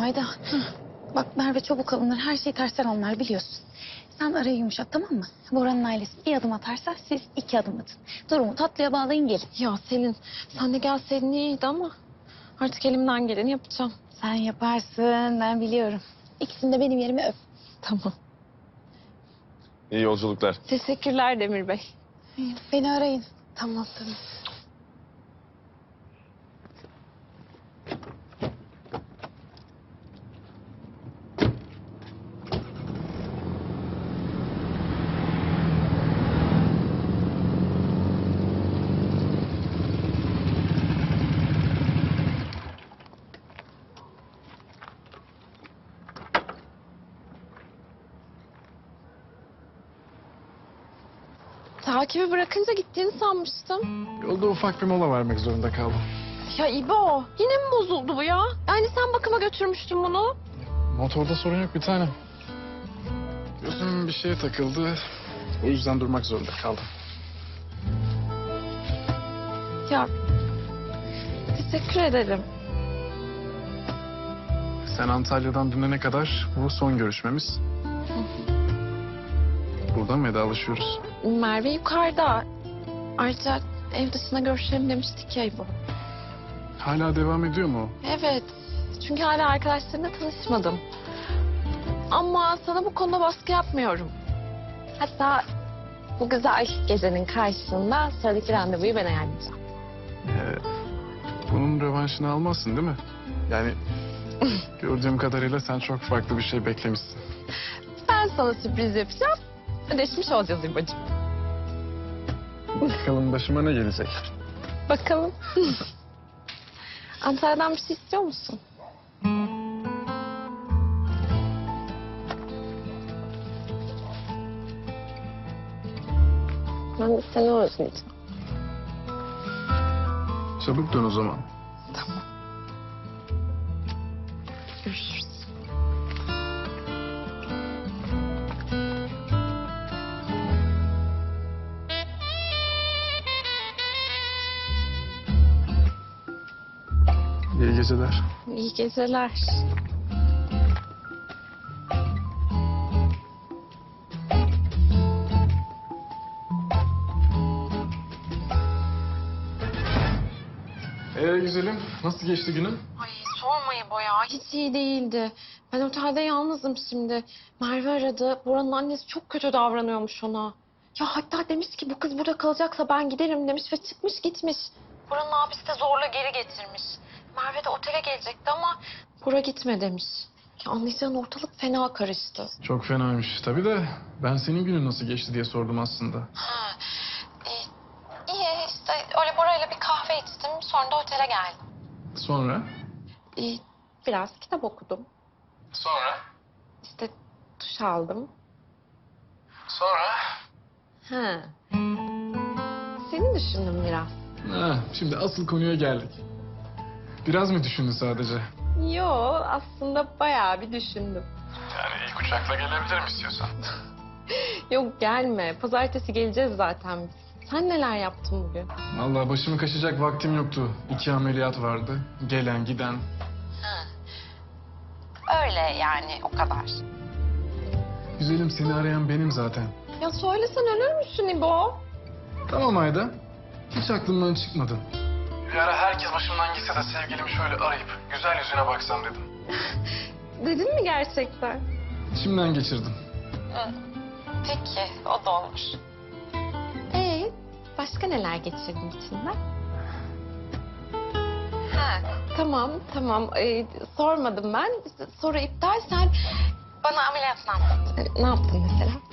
Ayda, bak Merve çabuk alınır, her şeyi tersten anlar biliyorsun. Sen arayı yumuşat, tamam mı? Bora'nın ailesi bir adım atarsa siz 2 adım atın. Durumu tatlıya bağlayın, gelin. Ya Selin, sen de gelseydin iyiydi ama artık elimden geleni yapacağım. Sen yaparsın, ben biliyorum. İkisini de benim yerime öp. Tamam. İyi yolculuklar. Teşekkürler Demir Bey. Beni arayın. Tamam. Takibi bırakınca gittiğini sanmıştım. Yolda ufak bir mola vermek zorunda kaldım. Ya İbo, yine mi bozuldu bu ya? Yani sen bakıma götürmüştün bunu. Motorda sorun yok bir tanem. Gözüm bir şeye takıldı. O yüzden durmak zorunda kaldım. Ya teşekkür ederim. Sen Antalya'dan dönene kadar bu son görüşmemiz. Buradan vedalaşıyoruz. Merve yukarıda. Ayrıca ev dışına görüşelim demiştik ya İbo. Hala devam ediyor mu? Evet. Çünkü hala arkadaşlarımla tanışmadım. Ama sana bu konuda baskı yapmıyorum. Hatta bu güzel gecenin karşısında sıradaki randevuyu ben ayarlayacağım. Bunun rövanşını almazsın değil mi? Yani gördüğüm kadarıyla sen çok farklı bir şey beklemişsin. Ben sana sürpriz yapacağım. Ödeşmiş olacağız İbo'cum. Bakalım başıma ne gelecek? Bakalım. Antalya'dan bir şey istiyor musun? Ben de seni özleyeceğim. Çabuk dön o zaman. Tamam. Görüşürüz. İyi geceler. İyi geceler. Güzelim. Nasıl geçti günün? Ay sorma İbo ya. Hiç iyi değildi. Ben otelde yalnızım şimdi. Merve aradı. Bora'nın annesi çok kötü davranıyormuş ona. Ya hatta demiş ki bu kız burada kalacaksa ben giderim demiş ve çıkmış gitmiş. Bora'nın abisi de zorla geri getirmiş. Merve de otele gelecekti ama Bora gitme demiş. Ya anlayacağın ortalık fena karıştı. Çok fenaymış. Tabii de ben senin günün nasıl geçti diye sordum aslında. Ha, iyi işte öyle Bora'yla bir kahve içtim. Sonra da otele geldim. Sonra? Biraz kitap okudum. Sonra? İşte duş aldım. Sonra? Ha. Seni düşündüm biraz. Ha, şimdi asıl konuya geldik. Biraz mı düşündün sadece? Yo aslında bayağı bir düşündüm. Yani ilk uçakla gelebilirim istiyorsan. Yok gelme. Pazartesi geleceğiz zaten biz. Sen neler yaptın bugün? Vallahi başımı kaşıyacak vaktim yoktu. 2 ameliyat vardı. Gelen giden. Öyle yani o kadar. Güzelim seni arayan benim zaten. Ya söylesen ölür müsün İbo? Tamam Ayda. Hiç aklımdan çıkmadın. Bir ara herkes başımdan gitse de sevgilimi şöyle arayıp güzel yüzüne baksam dedim. Dedin mi gerçekten? İçimden geçirdim. Peki o da olmuş. Başka neler geçirdin içinden? Ha, tamam. Sormadım ben. Soru iptal. Sen bana ameliyatını anlat. Ne yaptın mesela?